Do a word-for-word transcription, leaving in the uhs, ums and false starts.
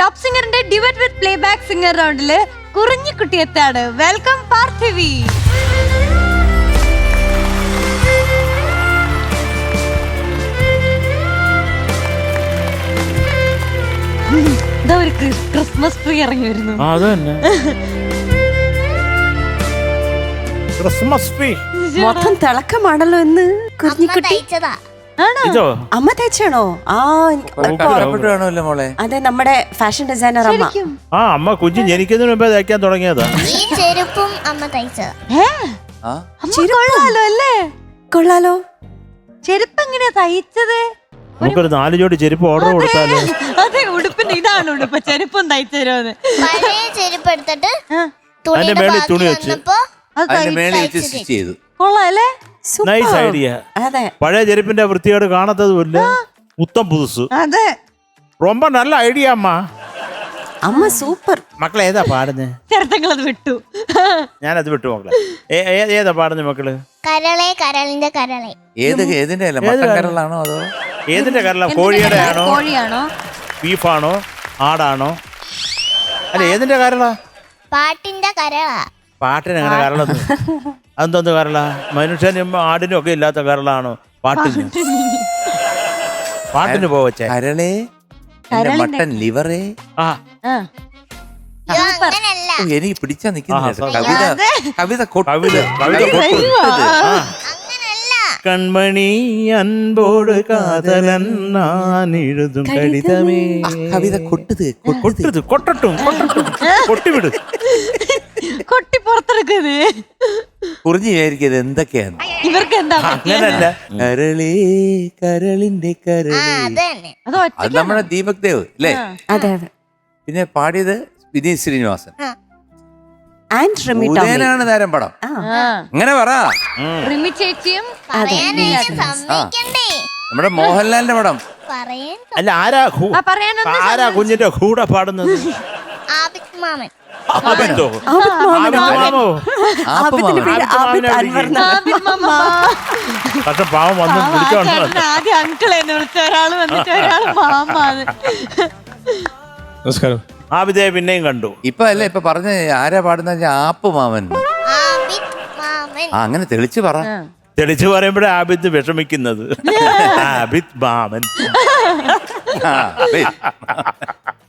Top സിംഗറിന്റെ duet with playback singer റൗണ്ടില് കുറിഞ്ഞിക്കുട്ടി എത്താണ്. വെൽക്കം പാർത്ഥിവി. ഇതാ ഒരു ക്രിസ്മസ് ട്രീ ഇറങ്ങി വരുന്നു. ക്രിസ്മസ് ട്രീ മൊത്തം തിളക്കമാണല്ലോ എന്ന് കുഞ്ഞിക്കുട്ടി. അമ്മ തയ്ച്ചാണോ? ആ മോളെ അതെ, നമ്മുടെ ഫാഷൻ ഡിസൈനർ അമ്മ. ആ അമ്മ കുഞ്ഞ് ജനിക്കുന്നതിന് മുമ്പേ തയ്ക്കാൻ തുടങ്ങിയതാ. ഈ ചെരുപ്പും അമ്മ തയ്ച്ചതാ. കൊള്ളാലോ അല്ലേ? കൊള്ളാലോ. ചെരുപ്പ് എങ്ങനെയാ തയ്ച്ചത്? നമുക്കൊരു നാല് ജോഡി ചെരുപ്പ് ഓർഡർ കൊടുത്താലോ? അതെ, ഉടുപ്പിന്റെ ഇതാണ് ഉടുപ്പ്. ചെരുപ്പം തയ്ച്ചു തരുമെന്ന്. പഴയ ചെരുപ്പ് എടുത്തിട്ട് അതിന്റെ മേളിൽ തുണി വെച്ച് ചെയ്തു. കൊള്ളാല്ലേ? Nice idea. അതെ, പഴയ ചെരുപ്പിന്റെ വൃത്തിയോട് കാണത്തതുമില്ല, ഉത്തം പുതുസ്. അതെ, ரொம்ப നല്ല ഐഡിയ അമ്മ. അമ്മ സൂപ്പർ. മക്കളെ ഏതാ പാടുന്നേ? ചേർത്തങ്ങളത് വിട്ടു. ഞാനത് വിട്ടു മക്കളെ. ഏതാ പാടുന്നേ മക്കള്? കരളെ കരളിന്റെ കരളെ. ഏത് ഏതിന്റെ അല്ല, മട്ടൻ കരളാണോ അതോ ഏതിന്റെ കരള? കോഴിയുടെ ആണോ, കോഴിയാണോ, ബീഫാണോ, ആടാണോ? അല്ല ഏതിന്റെ കരള? പാട്ടിന്റെ കരള. പാട്ടിന് അങ്ങനെ കരളൊന്നും. അതെന്തോന്ന് കരള? മനുഷ്യനും ആടിനും ഒക്കെ ഇല്ലാത്ത കരളാണോ പാട്ടിന്? പാട്ടിന് പോവച്ചേ. കരളേ, മട്ടൻ ലിവറേ. ആ അങ്ങനല്ല, എനിക്ക് പിടിച്ചാ നിക്കുന്നില്ല കവിത. കവിത കവിത കവിത അങ്ങനല്ല. കൺമണി അൻപോട് കാതലൻ ഞാൻ എഴുതും കടിതമേ. കവിത കൊട്ടത് കൊട്ടത് കൊട്ടട്ടും കൊട്ടട്ടും കൊട്ടിവിട്. കൊട്ടി പുറത്തെടുക്കുന്നത് കുറിഞ്ഞു വിചാരിക്കത് എന്തൊക്കെയാണ് ഇവർക്ക് എന്താ? അങ്ങനല്ല. കരളേ കരളിന്റെ ആ കരളേ. അത് തന്നെ. അത് അത് നമ്മുടെ ദീപക് ദേവ് അല്ലേ? അതെ അതെ. പിന്നെ പാടിയത് വിനീത് ശ്രീനിവാസൻ. ആൻഡ് റിമി ടോമി. ഉദയനാണ് താരം പടം. അങ്ങനെ പറ. റിമി ചേച്ചിയും പറയാനായിട്ട് സമ്മതിക്കണ്ടേ? നമ്മുടെ മോഹൻലാലിന്റെ പടം. പറയാൻ അല്ല ആരാ കു- ആ, പറയാനൊന്നും ആരാ കുഞ്ഞിന്റെ കൂടെ പാടുന്നത്? ആബിദ് മാമൻ. ആബിദോ? ആബിദ് മാമനോ? ആബിദ് മാമോ? ആപ്പ് ആബിദിന്റെ മാമൻ. പേര് ആബിദ് അൻവർ എന്നാണ്. ആബിദ് മാമ. പക്ഷെ പാവം വന്ന് ആ, വിളിച്ചോണ്ട് ചേട്ടന് ആദ്യം അങ്കിളെ എന്ന് വിളിച്ച ഒരാള് വന്നിട്ട് ഒരാള് മാമാന്ന്. നമസ്കാരം. ആബിദയെ പിന്നെയും കണ്ടു. ഇപ്പൊ അല്ലേ ഇപ്പൊ പറഞ്ഞ ആരാ പാടുന്ന ആപ്പ് മാമൻ. ആബിദ് മാമൻ. ആ അങ്ങനെ തെളിച്ച് പറ. തെളിച്ചു പറയുമ്പോഴേ ആബിദ് വിഷമിക്കുന്നത്. ആബിദ് മാമൻ. ആ, wait.